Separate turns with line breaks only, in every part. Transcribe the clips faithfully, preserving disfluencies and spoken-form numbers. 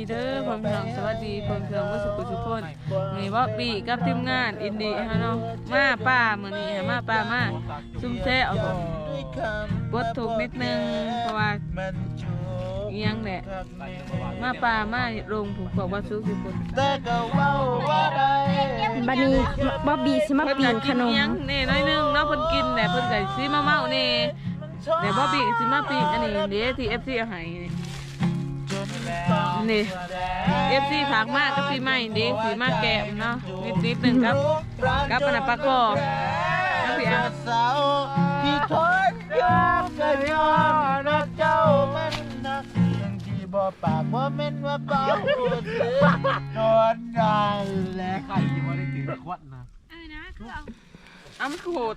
เด้อพ่อพี่น้องสวัสดีเพิ่นเพิ่งบ่สุขสุขคนนี่บ่ปีกับทีมงานอินดี้ฮะเนาะมาป้ามื้อนี้มาป้ามาซุ่มแซ่เอาปวดทุกนิดนึงเพราะว่าอีหยังแหละมาป้ามาโรงผูกคอบ่สุขสุขคน
บัดนี้บ๊อบบี้สิมาปีนขนม
นี่น้อยนึงเนาะเพิ่นกินแหละเพิ่นก็สิมาเมานี่แต่บ๊อบบี้ก็สิมาปีนอันนี้เด้ที่ เอฟ ซี เอาให้นี่ เอฟ ซี ฝากมากกับปีใหม่เด้สีมากแก้มเนาะนิดนิดหนึ่งครับกับอันนั้นปลาคอน้ำพี่อ่ะที่ทนยอมกันยอมนักเจ้ามันนักที่บ่ปากบ่เม่นว่าเบาโดนได้และใครที่บ่ได้ถือขวดนะเออนะคือเอาอ้ำโคตร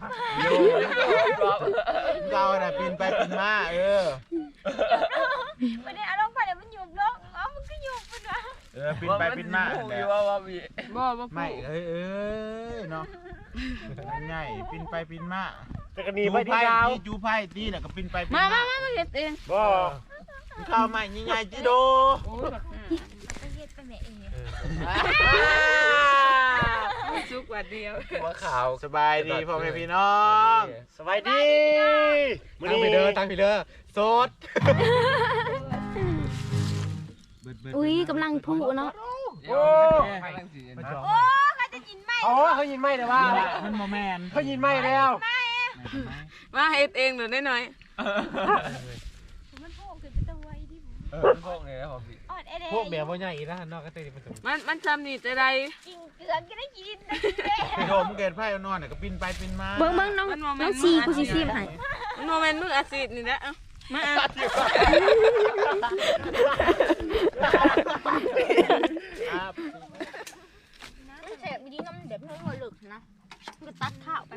เจ้าน่ะปีนไปปีนมาเออ
ไม่ได้เอาลงไปเดี๋ยวมันหยุบลงอ๋อมันก็หยุบไปนะ
เออปีนไปปีนมาแล้ว
บ่บ่
ไม่เอ้ยเอ้ยเนาะง่ายปีนไปปีนมา
จะกระนีไปที่ดาว
จูไพ่ตีแล้วก็ปีนไปปีน
มา
มา
มามาเฮ็ดเอง
บ่
ข้าวใหม่ง่ายๆจิโด
สุกว่าเดียว
ว่าข่าวสบายดีพ่อแม่พี่น้อง
สบายดีมื้อนี้ไปเด้อตั้งไปเด้อสด
อุ้ยกำลังพูเนาะ
โอ้
โอ้เขาจะยินไหม
อ๋อเขายินไหมแต่ว่า
มันโมแมน
เขายินไหมแล้ว
มาเฮ็ดเองหน่อยน้อย
มันโผล่ขึ้นเป็นตัวไว้ดิ
เออพวกเนี่ยครับพี่พวกแบบว่าใหญ่นะนอกก็เตะมัน
มันมันซ้ำนี่จะได้
กินเกลือก็ได้กิน
ไปโดมเกิดไพ่นอนเนี่ยก็ปีนไปปีนมา
เบิ่งเบิ่งน้องน้องซีกูซีซีให้
มันโมเมนต์มืออาศิษย์นี่แหละมา
เสียบดีน้ำเด็บน้องหัวหลึกนะก็ตัดข้าวไป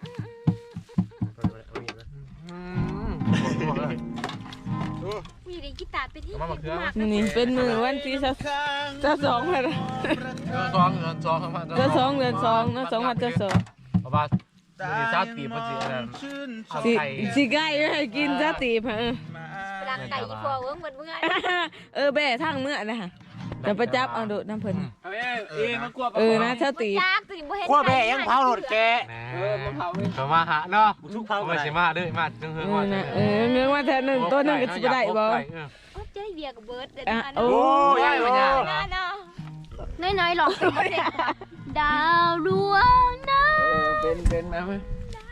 มีเด็กกีตาร์ไปที่
นี่เป็นมือวันที่จะจะสองเลยนะ
สองเดือนสองประมาณ
จะสองเดือนสองนะสองวันจะสอง
ประมาณมีชาตีมันสิอะไร
สิสิไก่ให้กินชาตีเออ
ร่างไก่อีพอเวิ้งเหมือนเมื่อ
เออแบ่ทั้งเมื่อนะฮะจะไปจับเอาดูน้ำเพลินเออนะชาตี
กลัวแบ่ยังเผาหลดแกเออมาเผาเขามาหาเนาะทุกเผาไม่ใช่มาด้วยมาจึงเฮืองว่า
เออเฮืองว่าแทนหนึ่งตัวหนึ่งก็จะได้บ่
เจ๊เบียร์กับเบิร์ดเด็ด
โอ้
ยยย
น้อยๆหลอกดาวดวงนั้น
เป็นเป็นนะมั้ย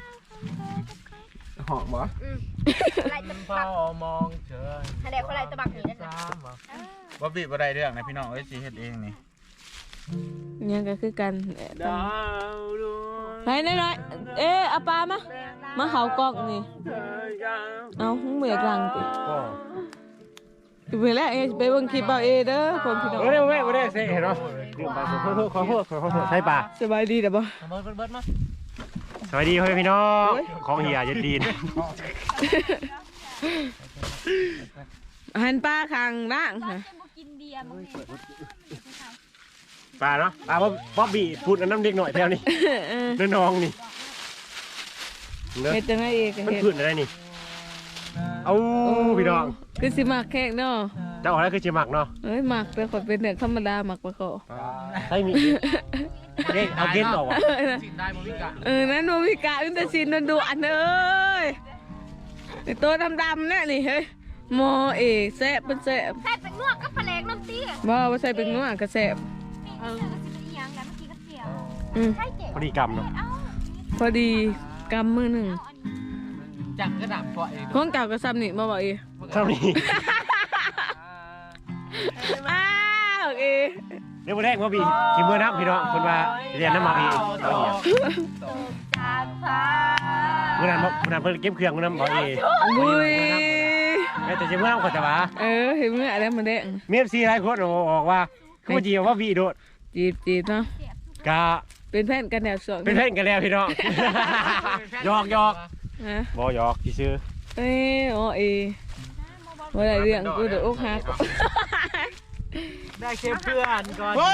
หอมบ่
อะไรตะบัก
มองเฉย
อะไรอะไรตะบักนี่นั่นนะ
ว่าบีบอะไรเรื่องนะพี่น้องเอ้ยสีเฮ็ดเองนี่
เนี่ยก็คือกัน
ดาวดวง
ไปน้อยๆเอ๊ะอาปามามาเขากล้องนี่เอาเมื่อกลางติไปแล้วเอไปเบิ่งคลิปเอาเอเด้อคนพี่น้อง
เออไม่ไม่ได้เซ่เนาะขอโทษขอโทษขอโทษใช่ป่ะ
สบายดีเด้อบ่
สวัสดีพ่อพี่น้องของเฮียจะดีน
หันปลาคางล่างค่ะ
ปลาเนาะปลาบ๊อบบี้พูดน้ำเด็กหน่อยแถวนี้น้องนี่
เฮ็ดจังได๋เอง
มันพูดอะไรนี่เอาพี่น้อง
คือสิมักแขกเนาะ
เจ้าอะไรคือสิมักเนาะ
เอ้ยมักแต่คนเป็นเด็กธรรมดามักบ่ขอ
ใช่มีเด็กเอาเก็ตออกว่ะ
เออนั่นโนมิกะมันแต่สินดุอันเอ้ยไอ้ตัวดำๆเนี่ยนี่เฮ้ยโมเอแซ่บเป็นแซ่บ
ใส่เป็นนวดก็แผลงน้ำตี
บ่ว่าใส่เป็นนวดก็แซ่บ
พอดีกำเนาะ
พอดีกำมือหนึ่ง
จักกระดาษปล่อย
ของเก่าก็ซ้ำนี่มาบอกอี
ซ้ำนี่
อ้าวโอเค
เดี๋ยววันแรกว่าบีกินเมื่อนับพี่น้องคนว่าเรียนน้ำมาพี่เอาเหี้ยเมื่อนั้นเมื่อนั้นเพิ่งเก็บเครื่องเมื่อนั้นบอกเอ๋
บุย
แต่จะเมื่อนั้นก็จะว่า
เออเห็นเมื่ออะไรมันเด้ง
เมียซีไรโคตรบอกว่าคือจีบว่าบีโดด
จีบจีบเนาะ
กะ
เป็นแฟนกันแล้วสอง
เป็นแฟนกันแล้วพี่น้องหยอกหยอกบอหยอกที่ซื้อ
เอ้โอ้เอว่าอะไรเรื่องกูเดือดอกหัก
ได้แค่เพื่อนก่อน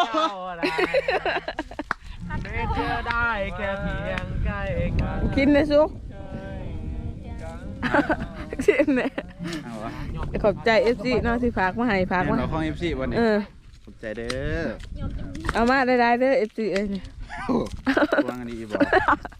ไม่เจอได้แค่เพียงใกล้กัน
กินเลยซุกชิมเนี่ย
เอาวะ
ขอบใจ เอฟ ซี เนาะที่ฝากมาให้ฝากมา
เราของ เอฟ ซี วันนี้
เออ
ขอบใจเด้อ
เอามาได้ๆเด้อ เอฟ ซี เอ้ยนี่
วางอันนี้อีบอก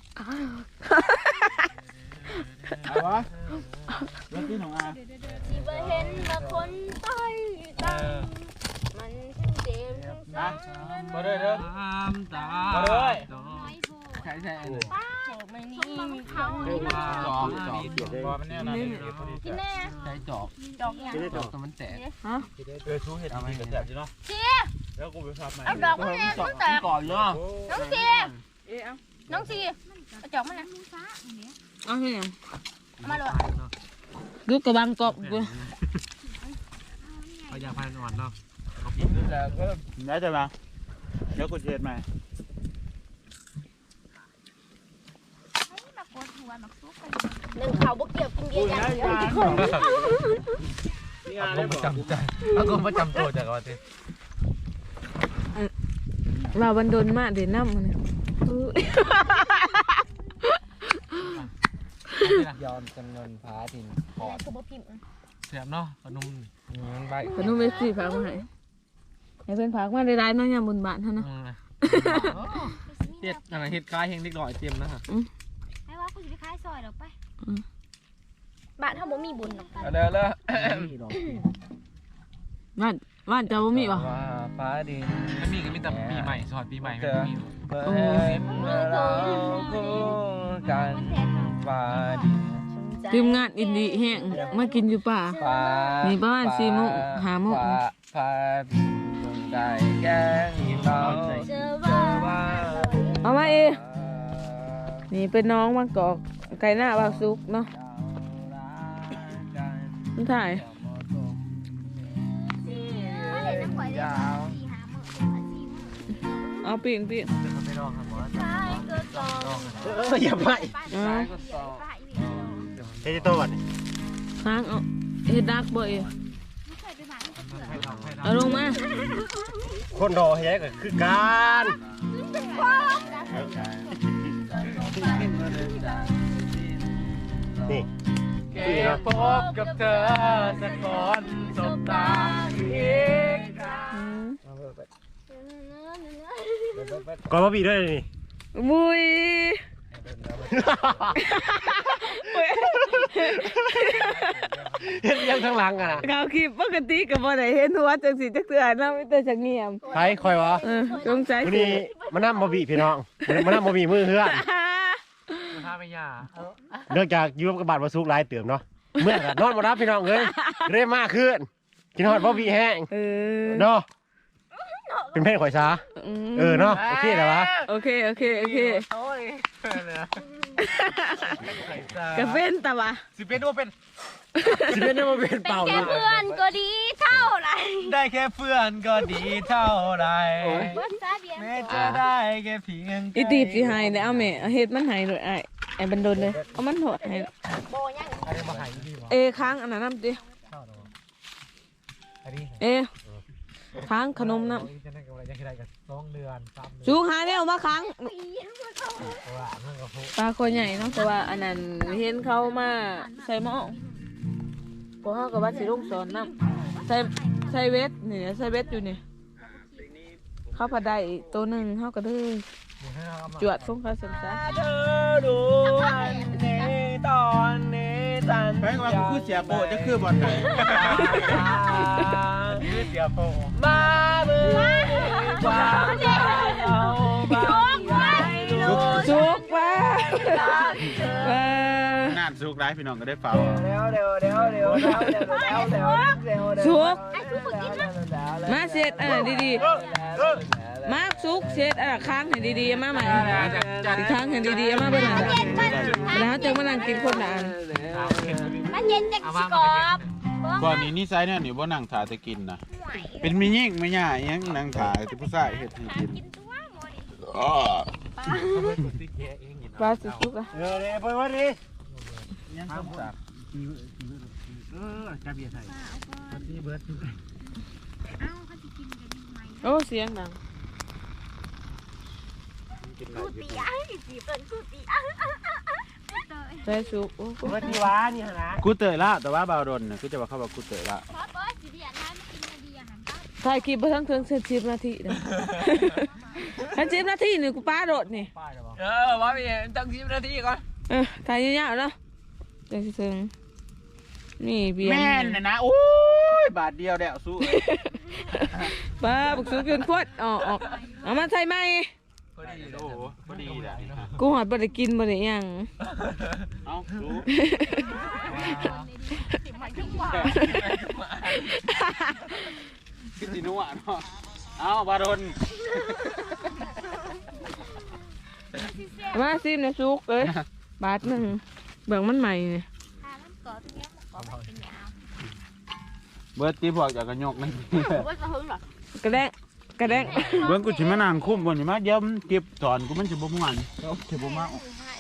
เอาวะรถที่หนองอา
ที่บ่เห็นว่าคนต้อยตังมันทั้งเจ็บทั้งเศร้า
มาเลยเด้อ
ตามตา
มาเลย
น้อยโบ
ใช่ใช่
ป้าไม่นี่มีเขา
สองสองบอมันแน่นอน
กินแน่
ใช้จอก
ดอกอย่าง
จอกตัวมันแตก
ฮะ
เออชูเห็ดมีกระแสบอยู่เนาะ
เชีย
แล้วกูไปพับใหม่
เอาดอกมาแน่น้องแต่
ก่อนเนาะ
น้องเชีย
เอ๊ะเอา
น้องเชียเอาดอกมาแน่
เอาให้ยัง
มาเลย
ดูกระบังกบกู
พยาพันอ่อนเนาะ
แล้วก็ได้จะมาเดี๋ยวกูเช็ดใหม่
หนึ่งเขาบุกเกี่ยวกินเบียร์อย่างเดียว
นี่งานได้
ป
บ
ระ
อก
จำใจแล้วก็ประจำตัวจากวันที่
เราบันดนมากเดี๋ยวน้ำมันอื้อย
อมจำนวนพาทินปอด
คือบ่พิมพ์
เสียบเนาะขนมใบ
ขนมเอฟซีฝากมาให้ให้เพื่อนฝากมาได้ๆเนาะยามบุญบาทเท่านั้น
เฮ็ดอะไรเฮ็ดคล้ายเฮงเล็กน้อยเต็มนะฮะ
ให้ว่ากูจะไปขายซอยหรอไปบ้านเขาบ่มีบุญหรอก
เด้อเลย
บ้านบ้านเจ้าบ่มีป่ะ
ฟ้าดินไม่มีก็มีแต่ปีใหม่สอดปีใหม่ไม่มี
โอ้
การฟ้าดิน
ทีมงานอินดีแห้งมากินอยู่ป่า
ฟ้า
มีประมาณสี่โมงห้าโมง
ฟ้าดินดวงใจแก้งเรา
เจอว่า
เอามาเอนี่เป็นน้องมากอกไก่หน้าบาวซุกเนาะนี่ถ่าย
เห็นน้ำข่อยได้สี่หาหมื่นสี่หมื่น
เอาปีนปีน
ไม่รอครับหมอ
ใช่ก็สอง
เอออย่าไป
เอา
ป้าอีกแล้ว
เฮ้ยตัววัน
ค้างเอาเฮ็ดดักบ่เอ
ไม่เคยไปบ้าน
เอาลงมา
คนรอแย่ก็คือการ นี่
แกพบกับเธอสักคนสบตาอีก
อืม
ก่อนมาบีด้วยนี่
มุย
เห็นยังข้างหลังอ่ะ
เขาคลิปปกติก็บ่ได้เห็นหัวจังสิจักเทื่อเนาะมีแต่จักเงียบ
ใครคอยวะ
เออสงสัย
วันนี้มานั่งมาบีพี่น้องมานั่งมาบีมือเฮือน
ถ้าไม่ยา
เนื่องจากอยูกับบาดมาซุกหลายเติมเนาะเมื่อนอนมารับพี่น้องเลยเร่มากขึ้นกินฮอดบ่บีแห้ง
เออ
เนาะเป็นเพศข่อยซาเออเนาะโอเคแล้ววะ
โอเคโอเคโอเค
โอ้ย
กระเป็นตะวะ
สิเป็นว่าเป็น
สิเป็นได้มาเป็นเป่า
แค่
เลย
เพื่อนก็ดีเท่าไหร่
ได้แค่เพื่อนก็ดีเท่าไร
ว่าซาเบียน
แม้จะได้แค่เพียง
อีตีบสิหายเด้เอาแม่เอาเฮ็ดมันหายโดยไอ้ไอ้บันดนเลยเอามันโหดให้
โบยัง
อันนี้มาหายดีวะ
เอค้างอันนั้นน้ำดิ
อันนี้
เอค้างขนมน้
จะได้กำไรยังได้กันสองเดือนสาม
ำ
เดือน
สูงหาเนี่ยเอามาค้าง
ปีมาเข้า
ว่ามันก็พูด
ปลาคอใหญ่เนาะแต่ว่าอันนั้นเห็นเขามาใส่หม้อพวกเขากับว่าสิลงสอนน้ำใส่ใส่เวทนี่ใส่เวทอยู่นี่เขาผัดได้อีกตัวหนึ่งเขาก็เลยจวดส่งเขาเสร็จจ้ะ
เธอดูวันนี้ตอนนี้ตัน
แปลว่ากูคือเสียโปจะคือบอลไหน
ยืดเดียวโปมาเมื่อความเอาบ้างไว้ลูก
สุกว่า ว่า
น่านซุกร้ายพี่น้องก็ได้เฝ้า
เร็วเร็วเร็วเร็วเร็วเร็วเร็วเร็วเร็ว
สุกมาเสร็จอ่ะดีๆมาสุกเสร็จอ่ะค้างให้ดีๆมาใหม่อีกค้างให้ดีๆมาเบิ่งอ่ะแล้วจะมานั่งกินคนละอัน
มันเย็นจากสกอบ
ก่อนนี้นี่ไซส์เนี่ยหนิว่านั่งถ่าจะกินนะเป็นมียิ่งไม่ย่ายังนั่งถ่าจะผู้ชายเห็ดให้กิน
กินตัวหมด
อ๋อ
ปลาสุกๆอ่ะ
เออเลยไปวันนี้ยังต้องสัก
เออจะเบียร์ไทยที่เบิร์ด
เอ้าเขาจะกินกันไหม
โอ้เสียงดัง
กิน
กูตีอ่ะตีเปิดกูตีอ่ะ
ใส่สุกโอ้
กูว่าที่ว้านี่นะ
กูเตยละแต่ว่าบาวดนน่ะกูจะว่าเขาบอกกูเตยละ
เพราะบอสสิเดียนให้มากินมาดีอาหารก็
ถ่ายคลิปไปทั้งเทิงสิบนาทีนะทั้งสิบนาทีนี่กูป้าโดดนี่
เออว่าพี่ตั้งสิบนาทีก่อน
เออถ่ายยาวๆเนาะจังสิถึงนี่เบียร์
แม่นน่ะนะโอ้ยบาทเดียวเดี๋ยวสู้
ป้าบุกสูงเกินขวดออกออกเอามาใส่ไหม
พอดี
โอ้โหพอดีแหละ
กูหอดบ่ได้กินบ่ได้หยัง
เอารู้คือสินัวเนาะเอาบาดน
มาซิมนะซุกเอ้ยบาทหนึ่งเบิ่งมันใหม่นี่
ทานมันก่อตรงนี้มันก่อเป็นยาว
เบิร์ดตีพวกจากกระยกนี่
ว่าจะหึงหรอก
ระแดงกระแดง
เบิร์ดกูชิมานั่งคุ้มก่อนอยู่มาเดี๋ยวมันเก็บสอนกูมันจะบ่ม่วนจะบ่มา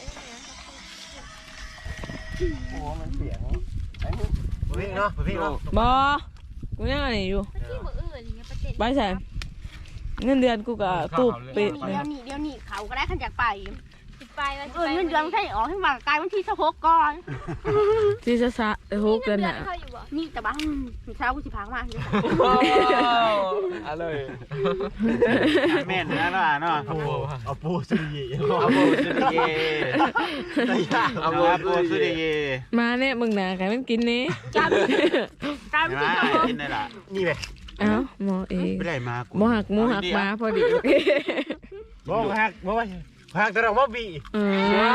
โอ้มันเสียงวิ่งเนาะวิ่งเนาะ
บอกูยังอันนี้อยู่
ที่มืออื่นอย่างเงี้ยประเด็น
ไปใส่เงินเดือนกูก็ตูบไปเลย
เดี๋ยวนี้เดี๋ยวนี้เขาก็ได้ขันจากไป
สิไปว่า
เออเงินเดือนใช่ออกให้มากลายวันที่สิบหกก่อน
ที่จะสะหกเดือนน่ะ
เขาอยู่บ่
นี่แต่บ้านเช้ากูสิพังมากเลย
อะไร
แม่นนะล่ะเนาะ
เอาปูเอาปูสุริย
เอาโบสุดเย่เอาโบสุดเย่
มาเนี่ยมึงน่ะใครมันกินนี่
กลายเป็นกลายเป็น
มา
ที่สิบหก
กินได้ล่ะ
นี่เลย
เอ้าหมอเอง
ไม่ได้มากู
หมอหักหมูหักหมาพอดี
บอกฮักบอกว่าฮักแต่เราว่าบี
เออ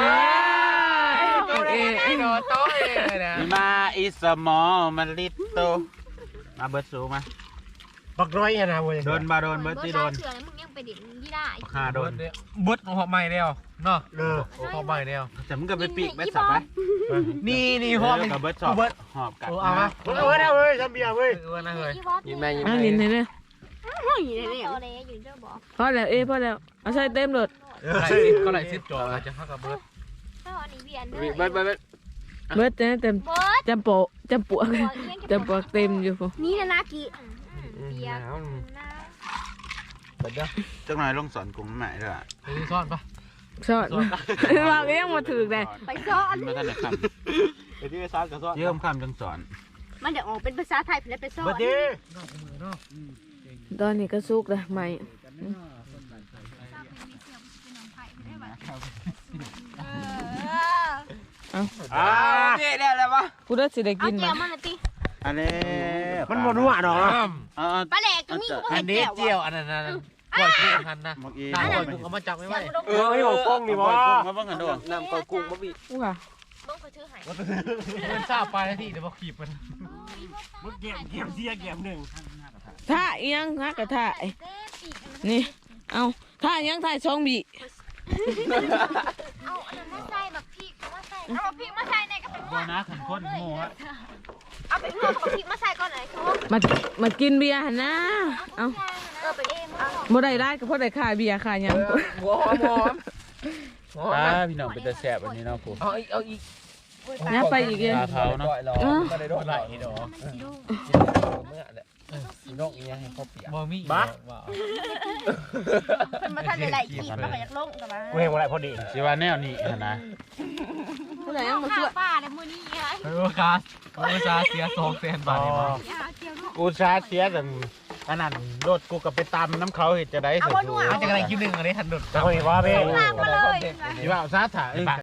เออ
ไอ้โดโต้เองเลยนะ
มาอีสมอมันลิตโตมาเบิร์ดสูมา
บักน้อยนะเว้ย
โดนบาโดนเบิร์ดที่โดน
เชื่อมึงยังไปเด็ดยี่ได้
คาโดน
บุดหอบใหม่เดียวเนาะ
เออ
หอบใหม่เดียว
แต่มึงก็ไปปีกเบิร์ดสับไป
นี่นี่หอบ
กับเบิร์ดสอบหอบกัด
เอามาเอามาเว้ยทำเบียร์เว้ย
เออนะเฮ้ย
ยิ้
ยิ้
ม
ม
แม่
แม่ยิ้ม
อ่ะ
แม่
ลินให้เนี่ย
อยู่ในนี้
โตเลยอยู่เจ้าบอก
พอแล้วเอ้พอแล้วเอาใส่เต็มรถ
ไหลซิปก็ไหลซิปจ่อจะเข้ากับเบิร์ด
ถ้าอันนี้เวียน
เบิร์ดเบิร์ด
เบิดจะเต็ม
เบิร์ด
จำโปะจำปวกจำปวกเต็มอยู่พอ
นี่นะนากี
เบียร์น้
เบิร์ดเด้อ
จังหน่อยลงสอนกลุ่มใหม่ด้วย
ไปซ่อนปะ
ชอดว่าก็ยังมาถือเลย
ไปซ้อน
มาท่านไหนค
ไปที่ไปซ้อนกับซ้อน
ำเยิ่มคำจังสอน
มันเดี๋ยวออกเป็นภาษาไทยแล้วไปซ้อน
บัดดี
ตอนนี้ก็สุกเลยใหม่
อ่า
นี่ได้แล้วปะ
กูได้สิได้
เอา
กิน
เจี
มั้
ยวมันเลยตี
อันนี้
มันบนหัวเนาะ
เออ
ปลาแหลกก็มีกู
อั
เห็
น
น
นี้
แก้ว
เจียวอันนั้นนะปล่อยกุ้งหันนะ
เมื่อกี้
ตาปล่อยกุ้งเอามาจับไม่ไหว
เออไอ้หัวกล้องนี่บ่
มาบ้างกันด้วย
น้ำปล่อยกุ้งมาบี
กูค่ะ
เบิ้งเขาชื่อหาย
มันทราบไปแล้วที่เดี๋ยวมาขีบมัน
มึงเก็บเก็บเสียเก็บหนึ่ง
ท่าอีหยังฮะกระท่าไอ้นี่เอาท่าอีหยังท่าช่องบี
เอาอันนั้นมาใส่แบบพริกมาใส่เอาพริกมาใส่ในกระปุก
บัวนะขันข้นหมูฮะ
เอาไปเพิ่มกับพริกมาใส่ก่อนเลยทุก
มามากินเบียร์หั่นนะเอา
เออไปเองเอา
บ่ได้ได้ก็เพราะได้ค่าเบียร์ค่าหยัง
หัวหอมหอม
ป้าพี่น้องเป็นตาแสบอันนี้เนาะกู
เอาอีกเอาอีก
เนี่ยไปอีกเอง
ปลาเผาเนาะ
ไม่ได้โดนไหลดอกเมื่อเนี่ยนกนี้ให้เขาเปียกบ่มีบ้า
มันท่านในไหลขีดมันก็อยากลงกับมา
กูเห็นอะไรพอดี
สิว่าแนวนี้นะ
ผู้ใดยังมาช่วย
ป้าเลยมือนี้ไง
เออคาสเออซาเสียสองแสนบาทนี่มั้ง
กูชาเสียแต่อันนั้นรถกูกับไปตำน้ำเขาเห็ดจะได้เสร็จ
อาจจะกำลังคิดหนึ่งอันนี้ทันดุด
จะคุยว่าเบ้
ลากมาเลย
ที่ว่าซาถ่าย